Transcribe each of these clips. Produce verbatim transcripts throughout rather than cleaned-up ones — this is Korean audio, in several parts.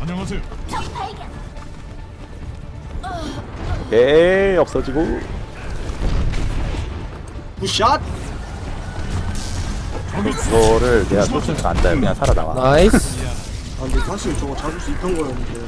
안녕하세요. 오케이 없어지고. 굿샷. 이거를 내가 쫓으니까 안 돼. 그냥 살아나와. 나이스. 아 근데 사실 저거 잡을 수 있던 거였는데.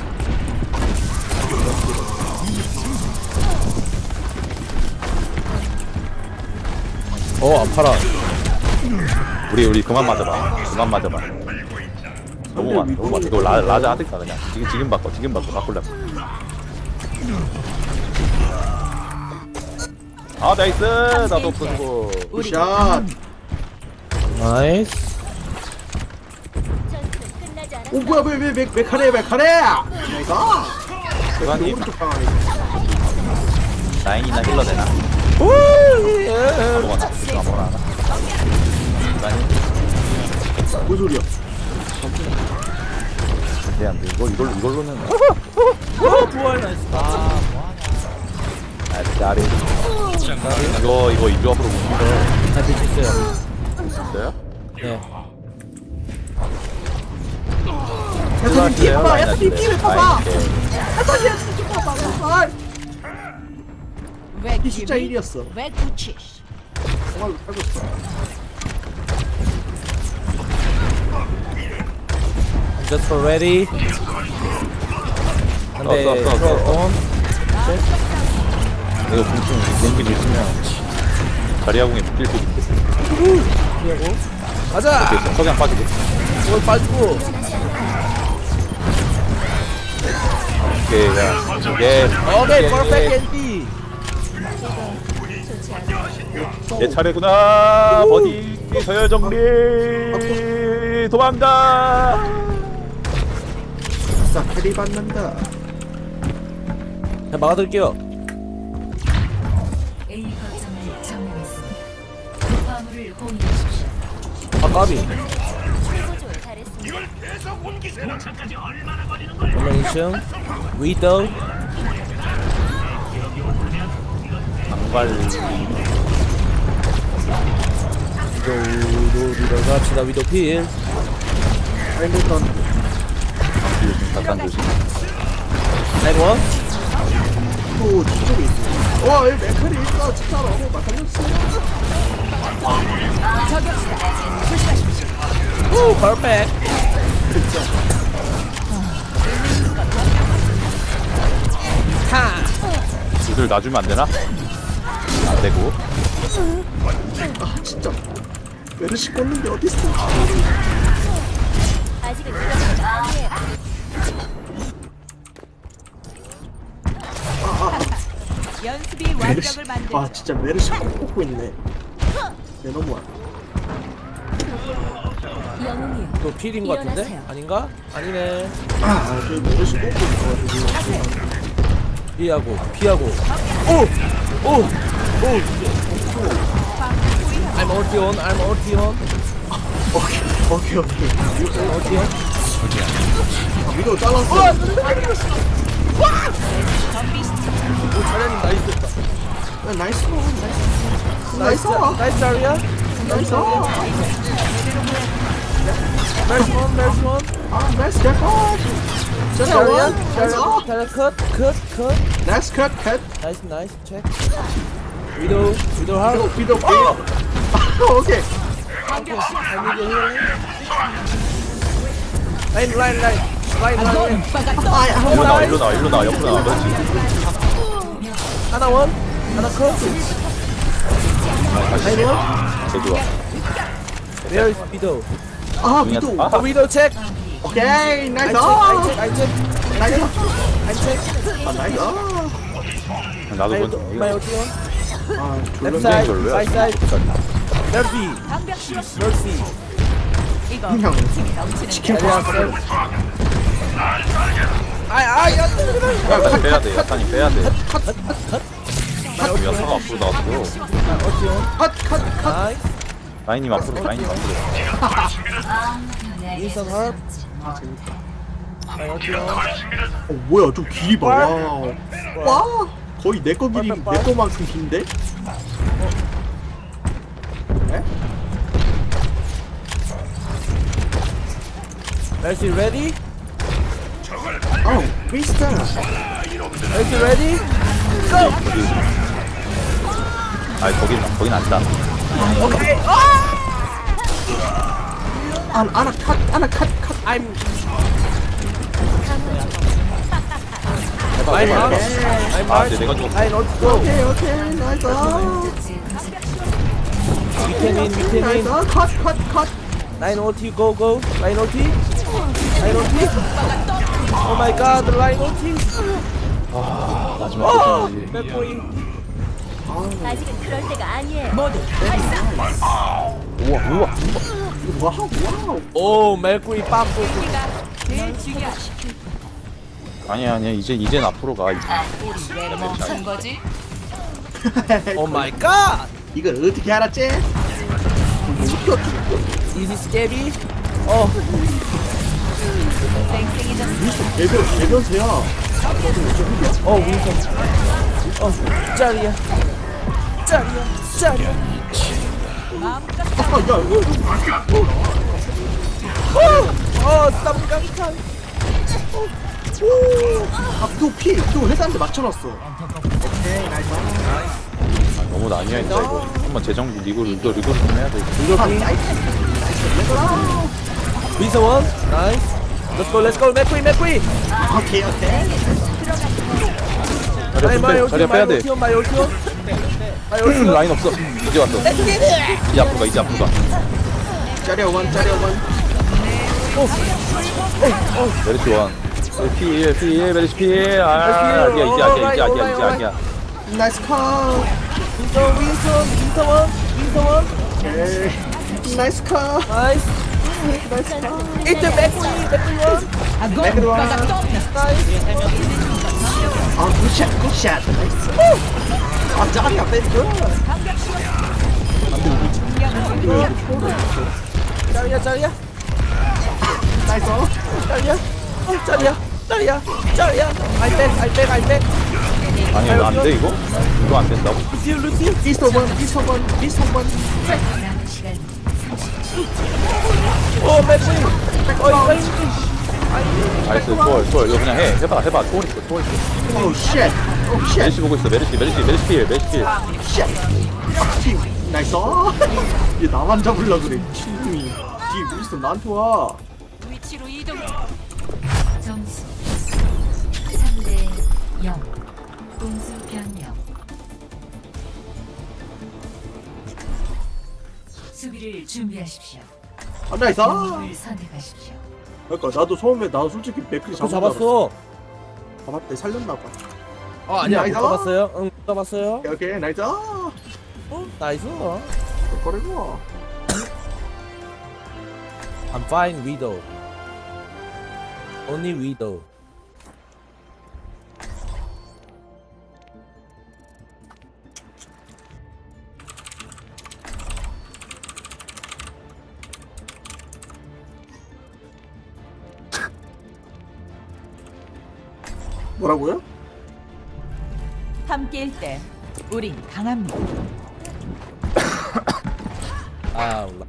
어 아파라. 우리 우리 그만 맞아봐. 그만 맞아봐. 너무 많아. 너무 많아. 이거 라, 라자 하든가 그냥. 지금 지금 바꿔. 지금 바꿔. 바꾸려면. 아 나이스. 나도 없어지고. 굿샷. 나이스. 오 뭐야 왜왜왜 메카레 메카레. 내가. 그만님. 오른쪽 방안에. 라인이나 힐러 되나? 오. 아무거나. 이거 아무거나 하나. 라인. 뭔 소리야? 네, 안 돼. 이거 이걸로 이걸로는. 어 부활 나이스. 아 아 짜리. 이거 이거 이 조합으로 못 밀어. 다 됐어요. 있어요? 네. 야타님 뒤에 봐봐. 라인 야타님 안 뒤에 돼. 봐봐. 라인 돼. 야타님 뒤에 봐봐. 아, 왜 이 숫자 일이었어. 왜 굳히시? 정말로 살고 있어. Just for ready. 한대 써, 써, 써, 써. 온. 이거 공중 공기 밀치면 자리아공에 묶일 수 있는데. 피하고. 가자. 오케이, 석양 빠지고. 이걸 빠지고. 오케이, 야, 이게 오케이 퍼펙트 엔디. 내 차례구나. 버디 서열 정리. 도망가. 아싸 캐리 받는다. 자 막아둘게요. A 거점을 점령했습니다. 화물을 공유하십시오. 아 까비. 정면 이 층. 위도우. 장발. 위도우 위도우 갑시다 위도우 필. 아이밀턴. 잠깐 조심. 라인 원. 또 뒤쪽에 있어. 와, 여기 메카리 있어. 진짜로. 막 달렸어. 오 퍼펙트. 타. 이들 놔주면 안 되나? 안 되고. 아, 진짜. 메르시 꽂는 게 어딨어. 아직은 이런 건 아니에요. 연습이 메르시. 완벽을 만들. 아, 진짜 메르시 꼭 꽂고 있네. 내 너무한. 영웅이요. 또 필인 것 같은데? 일어나세요. 아닌가? 아니네. 아, 저 메르시 꽂고 있어가지고. 피하고 피하고. 오! 오! 오! I'm ulti on. I'm ulti on. 오케이, 오케이, 오케이. ulti on. 아, 위도 잘랐어. 오 차량님 나이스했다. 야, 나이스, 나이스. 나이스. 나이스 자리야. 나이스. 나이스 원. 나이스 원. 아, 나이스 컷. 자리야. 자리야. 자리야. 자리야 컷. 컷. 컷. 나이스 컷, 컷. 나이스 나이스 체크. 위도우. 위도우 하우. 위도, 위도. 아! 오케이. 라인 라인 라인. 라인 라인. 아, 야, 일로 나와, 일로 나와, 일로 나와, 옆으로 나와. 그렇지. 하나 원. 하나 컷. 라인 원. 개 좋아. Where is 위도우? 아, 위도. 아 위도우 체크. 오케이, 나이스. 아이 체크. 아이 체크. 나이스. 아이 체크. 아, 나이스. 나도 마이 먼저. 마이 어디 원? 아, 랩 졸라. 사이드. 별로야. 사이드 사이드. 널피. 방벽 씌웠어. 널피. 이거 그냥 넘치는 치킨 자리야 파. 셀. 아아 야. 야타니 빼야 돼. 야타니 빼야 돼. 마이 어디 원? 야타가 앞으로 나왔고. 마이 어디 원? 컷, 컷, 컷. 나이스. 라인님 앞으로, 라인님 앞으로. 윈선 헐. 마이 어디 원? 어, 뭐야, 좀 길이 봐. 와. 와. 거의 내 거 길이, 내 거만큼 긴데? 에? Mercy ready? 어 미스터 Are you ready? Go! 아니 거긴 거긴 아니다. Okay. 안 아나 컷 아나 컷컷 I'm 해봐 I'm 해봐 out. 해봐. I'm 아 out. 근데 내가 죽었어. I not go. 오케이 오케이 나이스 We can win. We can 나이스 win. 컷컷컷 Line O T. Go go. Line O T. Line O T. Oh my God. Line O T. 아 마지막 Oh. 거지. 맥코이. 아직은 그럴 때가 아니에요. 모두 우와 우와. 와우 와우 오 맥코이 빠꾸. 우리가 제일 중요한 아니야 아니야 이제 이젠 앞으로 가. 우리 왜 멈춘 거지? Oh my God. 이걸 어떻게 알았지? Easy scabby. 어. 쌩쌩해졌어. 개변 개변세야 어 윈선. 어 짤이야. 짤이야. 짤이야. 마음껏 아야 이거 어 쌈깡탕. 아 그거 피 그거 회사한테 맞춰놨어 오케이 나이스 아, 너무 난이야 진짜 이거. 한번 재정비 리그 리그 리그 좀 해야 돼. 이거 아, 비. 나이스 나이스 윈선 원. 나이스. Let's go. Let's go. 맥코이 맥코이. 오케이 오케이 자리야 아니 좀 마이 빼. 올티온 자리야 마이 빼야 돼. 올티온 마이 올티온. 마이 올티온. 라인 없어. 이제 왔어. 이제 앞으로 가 이제 앞으로 가. 짜리야 원 짜리야 원 메리시 원. 피일 피일 메리시 피일. 아 아니야 이제 아니야 이제 아니야 이제 아니야. 나이스 컷 윈선 윈선 윈선 원. 윈선 원. 오케이 나이스 컷 나이스. 일등 맥코이 맥코이 원. 아고 오빠가 떴네. 나이스. 아 굿샷 굿샷 나이스 아 짜리야 뺀줄 짤이야 짤이야. 나이스 짤이야. 어 짤이야. 짤이야. 짤이야. 알백 알백 알백. 아니 이거 안 돼 이거? 이거 안 된다고? 루티오 루티오. 미스터 원 미스터 원 미스터 원 남은 시간 어 맥코이. 어 이거 이거. 나이스 초월 초월 이거 그냥 해 해봐 해봐 초월 있어 초월 있어. 오우 쉣 오우 쉣 메리시 보고 있어 메리시 메리시 메리시 피일 메리시 피일. 쉣 아, 나이스 얘 나만 잡으려 그래 미친놈이 뒤에 미스터 나한테 와 위치로 이동. 점수 삼 대 영. 공수 변경. 수비를 준비하십시오. 아, 나이스 공을 선택하십시오. 그러니까 나도 처음에 나도 솔직히 맥클이 그 잡은 줄 알았어. 잡았어. 잡았대 살렸나봐 어 아니야 못 나이스. 잡았어요. 응 못 잡았어요. 오케이 오케이 나이스 어 나이스. 거리고 I'm fine widow. Only widow. 뭐라고요? 함께일 때 우린 강합니다. 아 올라.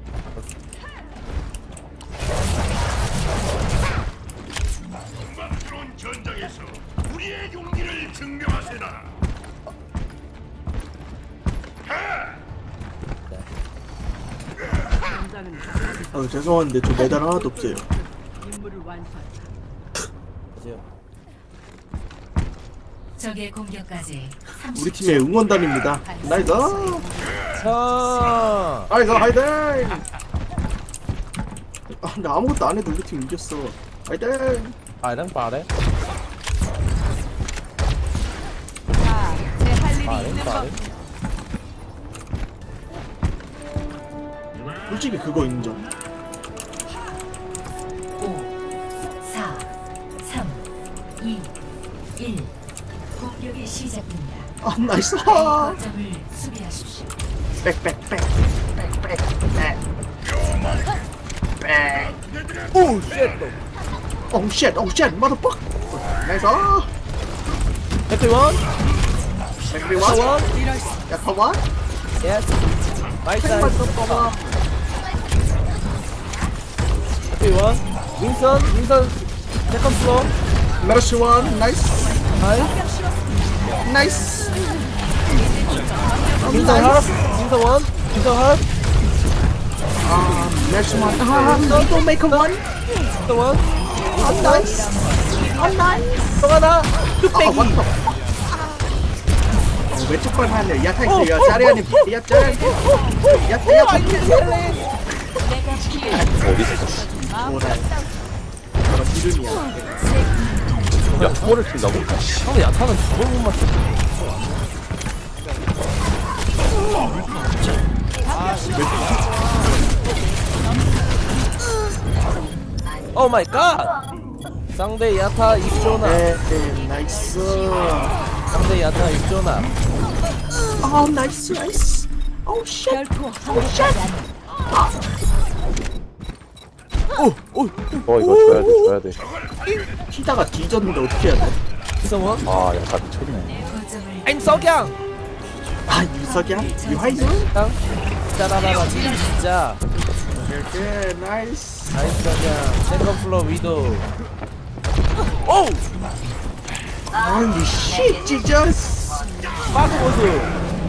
전장에서 우리의 용기를 증명하세나. 아 죄송한데 저 메달 하나도 없어요 보세요. 적의 공격까지 우리 팀의 응원단입니다 나이스 자. 나이스 하이딩 아 근데 아무것도 안 해도 우리 팀 이겼어 하이딩 아이랑 빠래. 자, 제 할 일이 빠래 있는 빠래. 법. 솔직히 그거 인정 오, 사, 삼, 이, 일. 공격이 시작됩니다. 아 나이스 거점을 수비하십시오. 백백백 백백백 오 쉣. 오우 쉣 오우 쉣 motherfuck 나이스 맥코이 원. 백비 원 원. 야 커먼 예스. 나이스 백만 나이스. 더 커먼 맥코이 원. 윈선 윈선 세컨 플로. Mercy one, nice, 나이스. nice. 윈선 핫. 윈선 원. 윈선 핫. Um, Mercy one. Ah, Widow make one. 윈선 원. Oh, nice. Oh, nice. 또 하나. Oh, 뚝배기. what the fuck? 어, 왼쪽 발 하네. 야타 있어. 야, 짜리아님. 야, 짜리아님. 야, 야, 어디 있어? 뭐라. 저런 이름이야. 야 초월을 친다고? 형은 야타는 저걸 못 맞춰. 오 마이 갓. 상대 야타 입조나. 네, 네, 나이스. 상대 야타 입조나. 아, 나이스, 나이스. 오, 쉣. 결코 항복하지 않는 어 이거 줘야 돼 줘야 돼. 튀다가 뒤졌는데 어떻게 해야 돼? 이성원. 아 약간 미쳤네. 거점을 I'm 석양. 아, 유석이야? 유하이즈? 양. 짜라라라 진짜. 오케이, 나이스. 나이스 석양. 세컨 플로 위도. 오. 아니, 쉣, 지저스. 빠그 모습.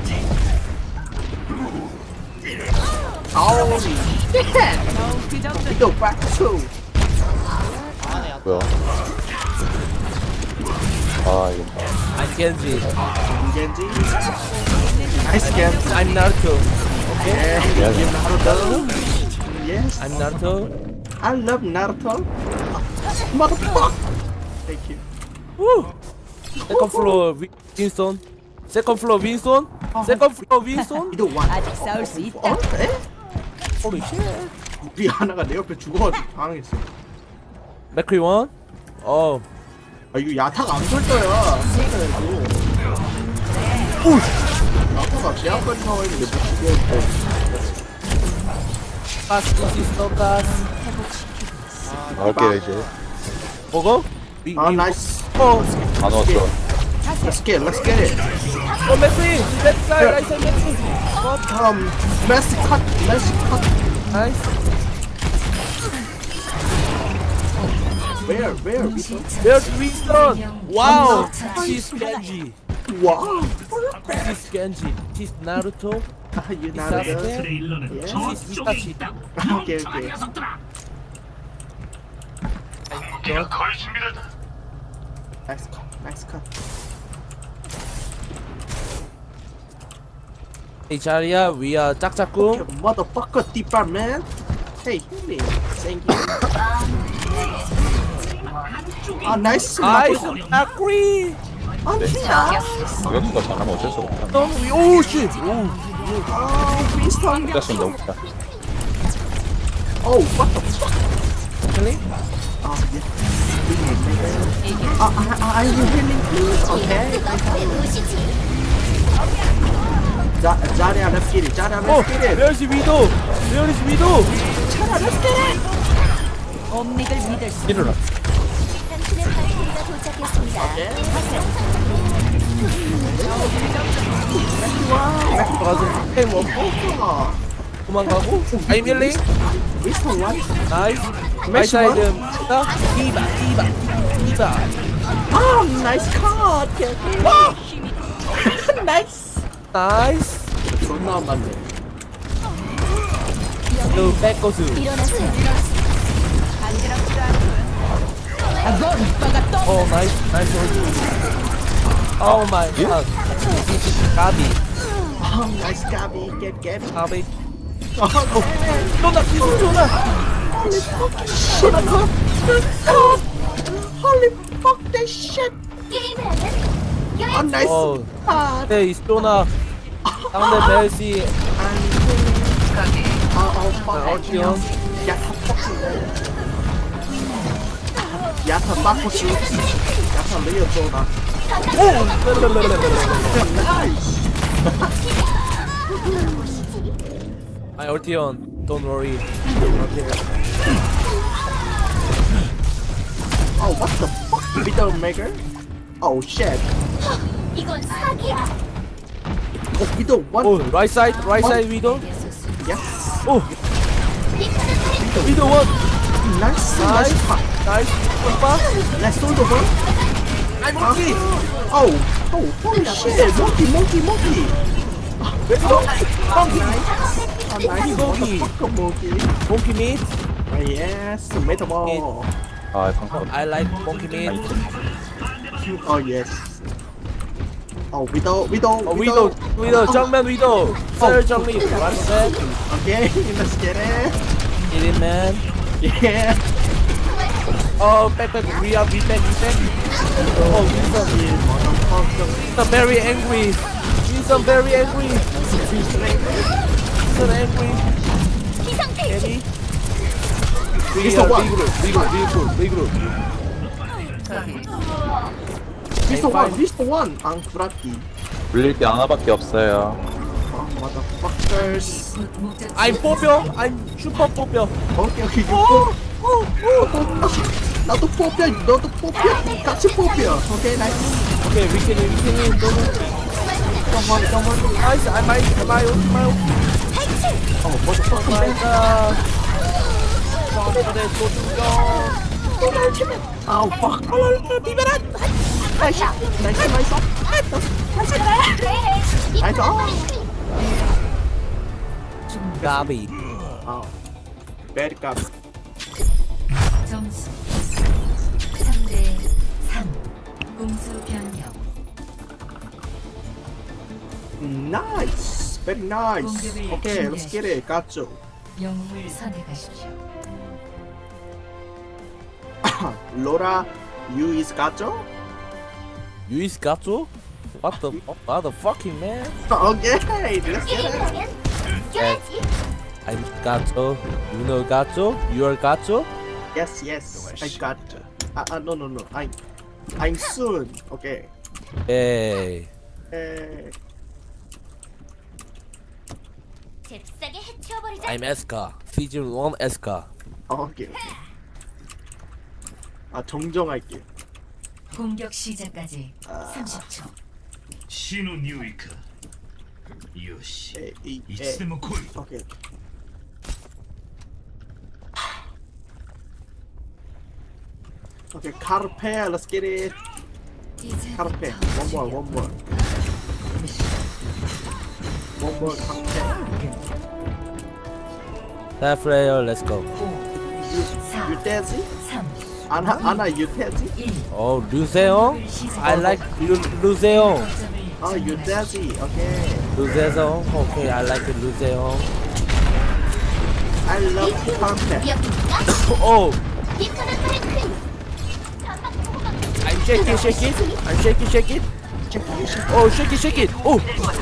아우, 쉣. 그 정도 이거 박수. 뭐야? 아 이거 봐. I'm Genji. 겐지. 나이스 겐지. I'm Naruto. 예, 미안해. 나루토. Yes. I'm Naruto. I love Naruto. Motherfucker. Thank you. 우. 세컨 플로 윈스톤. 세컨 플로 윈스톤. 세컨 플로 윈스톤. 이도 원. 아직 싸울 수 있다. 어? 에? 호리 쉣. 우리 하나가 내 옆에 죽어가지고 당황했어. 맥크리 원. 어. 아 이거 야타가 안 걸려야. 오. 야타가 제압까지 나와 있는데 못 죽여. 가스 시스터 가스. 나올게 이제. 먹어? 위, 아 위- 나이스. 어. 안 왔어. Let's get, let's get it. 어 맥크리. 렛츠 사이 라이트 맥크리. Um, let's cut, let's cut. 나이스. Where, where? There's 윈스턴. 와우. She's Genji. Wow. She's Genji. She's Naruto. You Sasuke. Naruto. She's Itachi. Okay, okay. Nice cut, nice cut. 이 자리야 위아 짝짝꿍. Motherfucker, deeper man. Hey, hit me. Thank you. 아, 나이스. 아이스 맥크리. 아, 나이스. 공격수가 잘하면 어쩔 수가 없다. 오 씨. 오. 아, 윈스턴. 진짜 너무 좋다. Oh, what the fuck? 클리? 아, 예. 아, 아, 아, are you healing please? Okay. 자, 자리야, let's get it. 자리야, 어, let's get it. 멸시 위도. 멸시 위도. 옴닉을 믿을 수 일어나. 가서 템 먹고 아, 도망가고. 아이 밀리. 윈스턴 원. 나이스. 매시 마이사이드. 자, 이바, 이바, 이바. 아, 나이스 컷. 오케이, 오케이. 나이스. 나이스. 존나 맞네. 또 백거스. 어, 나이스, 나이스. 오 마이 갓. 가비, 아, 나이스 가비. Get, get. 가비. 아, 어. 쫀다, 기술 쫀다. Shit, cut. Cut. Holy fuck that shit. 아, 나이스. 어, 아, 네, 이 쫀다. 상대 멜시. 아, 어, fuck. 어티언. 야타 빡스. 야타 빡스. 야타 레이어 쏘다. 나이스. 아이, 얼티언. Don't worry. Oh, what the fuck? Widowmaker? Oh, shit. 이건 사기야. Oh, Widow, what? 오, right side, right side 위도. Yes. 오, 위도 원. Nice, Nice. nice. 나이스 오빠 Let's solve the one. 아이 모키 Oh, oh, holy shit! Monkey, monkey, monkey. 모키 Oh, nice, monkey. motherfucker, monkey. 모키 meat Ah, yes, metal ball. 아 방금 I like monkey meat Oh yes. Oh, widow, widow, 어 위도 위도 정면 위도 썰 정리 맞네 Okay, let's get it. Get it man Yeah. 어 백백 we are we back we back 어 윈선 윈선 very angry 윈선 very angry 윈선 angry Eddie we Mister are One. regroup regroup regroup regroup Mister One, Mister One. 앙쿠라티. 물릴 게 하나밖에 없어요. Oh, motherfuckers. I'm 뽑혀 I'm 슈퍼 뽑혀 오케이, 오케이, 이거 뽑. 나도 뽑혀, 너도 뽑혀. 같이 뽑혀. 오케이, 나이스. 오케이 위켄이 위켄이 너무 정말, 정말. 나이스 I might I might I might 어, motherfucker. 마이갓 저한테 또 죽여 아우, fuck. 나이스, 나이스, 나이스. 나이스. 가비 아, 베리 값. 점수 삼 대 삼. 공수 변경. 나이스, very nice. 공격을 오케이, let's get it. 갔죠. 영웅을 선택하십시오. 로라, you is 갔죠? 유이스 가쪼? What the what the fucking man? 오케이, let's get it. I'm 가쪼 You know 가쪼? You are 가쪼? Yes, yes, I got. Ah, ah, no, no, no. I, I'm soon. Okay. 에이 에, 잽싸게 해치워버리자. I'm 에스카 시즌 원 에스카 오케이. 아, 정정할게. 공격 시작까지 삼십 초. 신우 뉴이크 요시 에, 이, 에. 이츠데모 코이 오케이. 오케이, 카르페, let's get it. 카르페, one more, one more. One more 카르페. 데프레이어 렛츠고 You, you daisy? 삼, 아나, 아나, you daisy? 일. 어 루세옹? I like 루, 루세옹 Oh, you daisy. Okay. 루세옹 오케이 I like 루세옹 I love 카르페. 오 이카나카의 퀸. I'm shake it shake it I'm shake it shake it 오 shake it shake it 오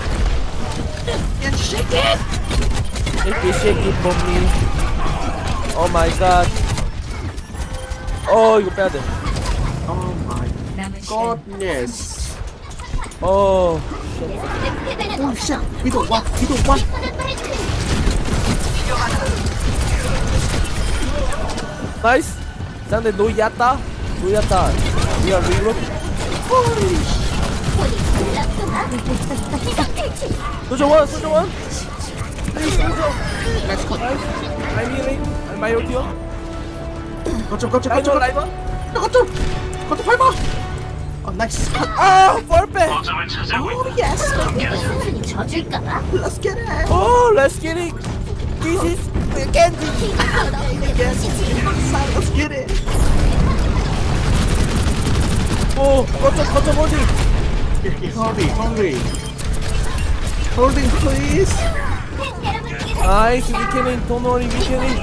shake it shake it for me Oh my god 어 이거 빼야돼 Oh my 남은 시간 goodness. 어 Oh shit. 위도 와, 위도 와. 나이스 상대 노이았다 노이았다 우리가 리로 소정원 소정원 플리즈 소정 나이스 컷 I'm healing I'm my ulti요 거쳐, 거쳐, 라이버 거쳐, 라이버 거쳐. 거쳐 밟아. Oh, nice. 아 벌빼 거점을 찾아오고 Oh yes. 순순히 져줄까봐. Let's get it. 오 let's get it This is candy Let's get it. 오 거점 거점 어디 Hurry, hurry. Holding, please. 나이스 위켄인 don't worry 위켄인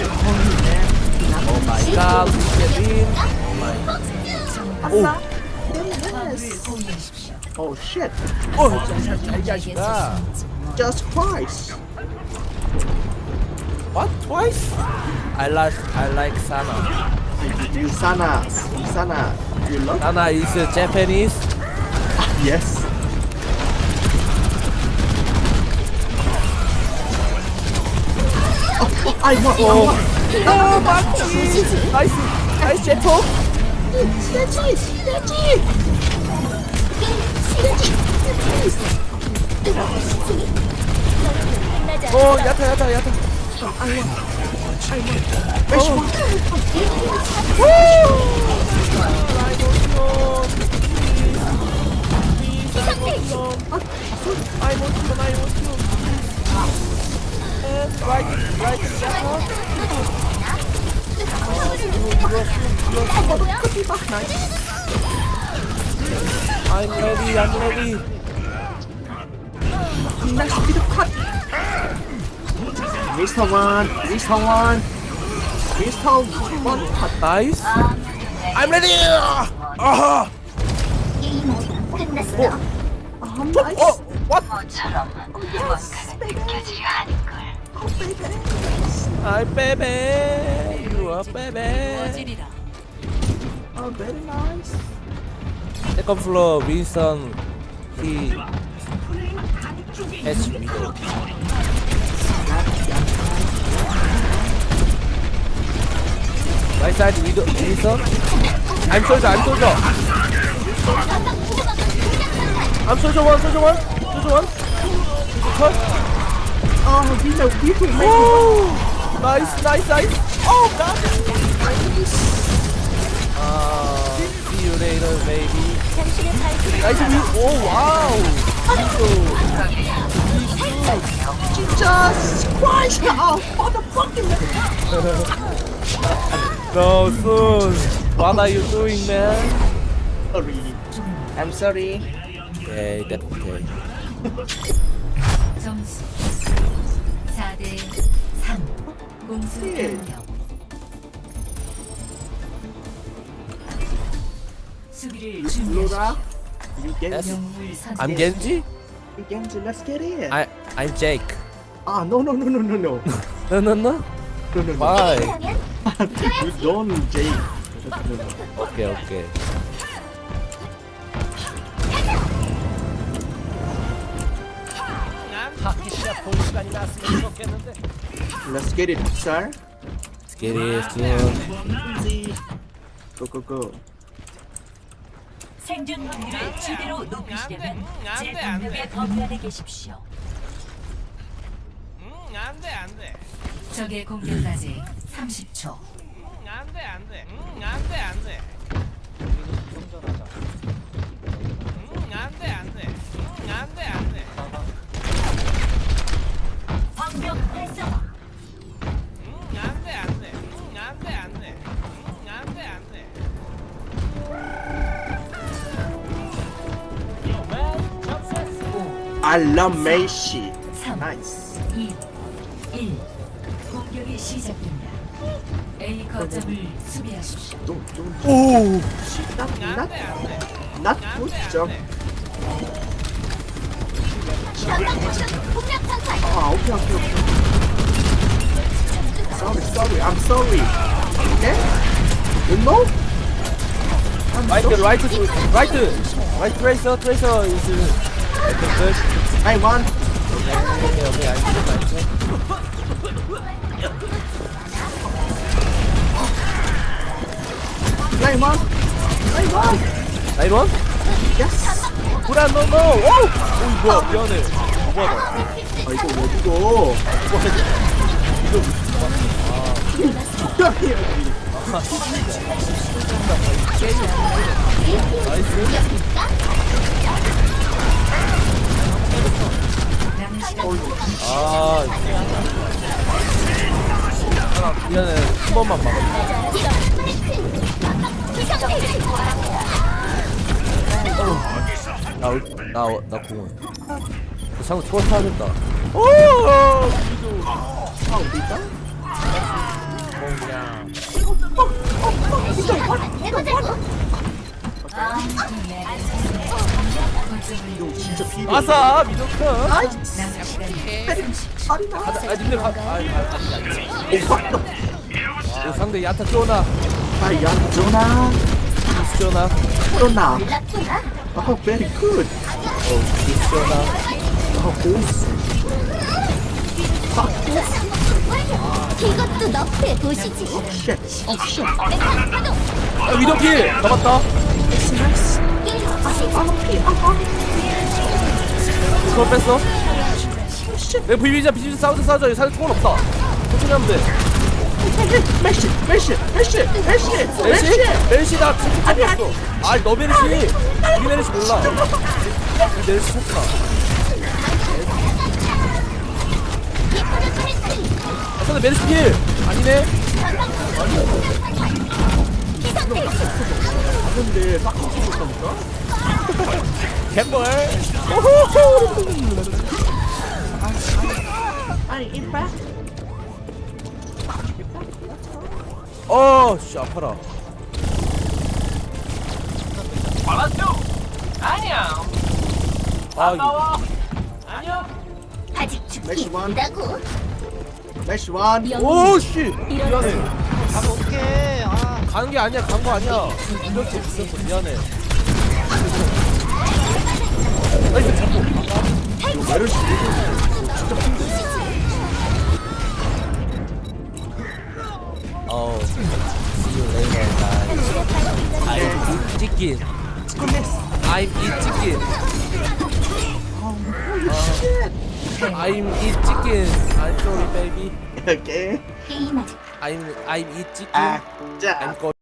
오 마이 갓 위켄인 오 Oh shit. 오 자자자자자 Just twice. What twice? I like I like Sana Sana, Sana. You love? Sana is Japanese Yes. Oh, oh, I want, I 오 want. 아 맞지 나이스 나이스 제포 시너지, 시너지. 시너지. 오 야타 야타 야타 I want you, I want you. And right, right, Jacko. I'm ready, I'm ready. 미스터 원, 미스터 원, 미스터 원. Nice. I'm ready. 아하. 게임 아직 끝났어. 어, what? Hi, baby. You are baby. Oh, very nice. Second floor, Wilson. He has window. Right side, window. Wilson. I'm soldier. I'm soldier. I'm soldier one. Soldier one. Soldier one. Cut. Oh, Vito, Vito, Oh, nice, nice, nice. Oh God. Uh, see you later, baby. Nice view. Oh wow. Jesus Christ! Oh, motherfucking! No, soon. What are you doing, man? Sorry. I'm sorry. Okay, that's okay. 점수 사 대 삼. 공수 변경. 수비를 준비하십시오. Laura, you get Yes. 영웅을 선택. I'm Genji. you get let's get it. I I'm Jake. Ah, no, no, no, no, no, no, No, no, no. no, no, no. Why? You don't, Jake. No, no, no. Okay, okay. Let's get it, sir. Let's get it soon. Go, go, go. 생존 확률을 제대로 높이시려면 제 방벽에 건너에 계십시오. 응, 안 돼, 안 돼. 적의 공격까지 삼십 초. 응, 안 돼, 안 돼. 응, 안 돼, 안 돼. 응, 안 돼, 안 돼. 응, 안 돼, 안 돼. 방벽 활성화. 응, 안 돼, 안 돼. 응, 안 돼, 안 돼. 응, 안 돼, 안 돼. I love Messi. 삼, Nice. 이, 일. 공격이 시작됩니다. A 거점을 수비하십시오. Don't, don't. Oh, Not, 응, 안 not, 돼, 안 돼. not 응, 안 good 돼, 안 job. 돼. Ah, okay, okay, okay. Sorry, sorry. I'm sorry. Okay? You know? I'm right, sorry. right, right, right. Tracer, tracer is okay. Good. I want. Okay, okay. I check, I check. I want. I want. Right one. Yes. 불안, no, no. 오, 오, 뭐야, 미안해. 뭐야, 아 이거 왜 이거? 이거 해야지. 아, 하나, 미안해. 한 번만 막아. 나, 나, 나 공원. 그 상대 초월 타야겠다. 오! 미도. 아 어디다? 그냥. 이거 진짜 필요. 아싸! 미도크! 남은 시간이 가자, 아, 님들 가, 아, 아, 아, 아. 오, 상대 야타 쪼나. 아야 전화. 미스 쪼나. 전화. 아 very good. 어, 미스 쪼나. 아 고스. 이것도 너프에 보시지. 쉣. 어 쉣. 아, 미도킬! 잡았다. 그걸 뺐어? 내 비비자 비비자 싸우자 싸우자 상대 총알 없다. 천천히 하면 돼. 메시 메시 메시 메시 멜시? 멜시 나 죽을 줄 알았어. 아니 너 멜시. 우리 멜시 몰라. 우리 멜시 좋다. 아 근데 멜시 필. 아니네. 근데 딱 붙었다니까. 갯벌. 아니 이빨. 어, 씨 아파라. 아니야. 아 이거. 아니야. 아직 죽기 메시 원. 있다고. 메시 원. 오 씨. 일어나세요. 가면 어떡해. 아. 가는 게 아니야. 간 거 아니야. 이렇게 있었어. 미안해. 나이스 잡고. 메르시. 어. See you later, guys. I eat chicken. I'm eat chicken. Uh, I'm eat chicken. I'm sorry, baby. 오케이. 게임 아직 I'm I'm eat chicken. 아, 자. I'm go.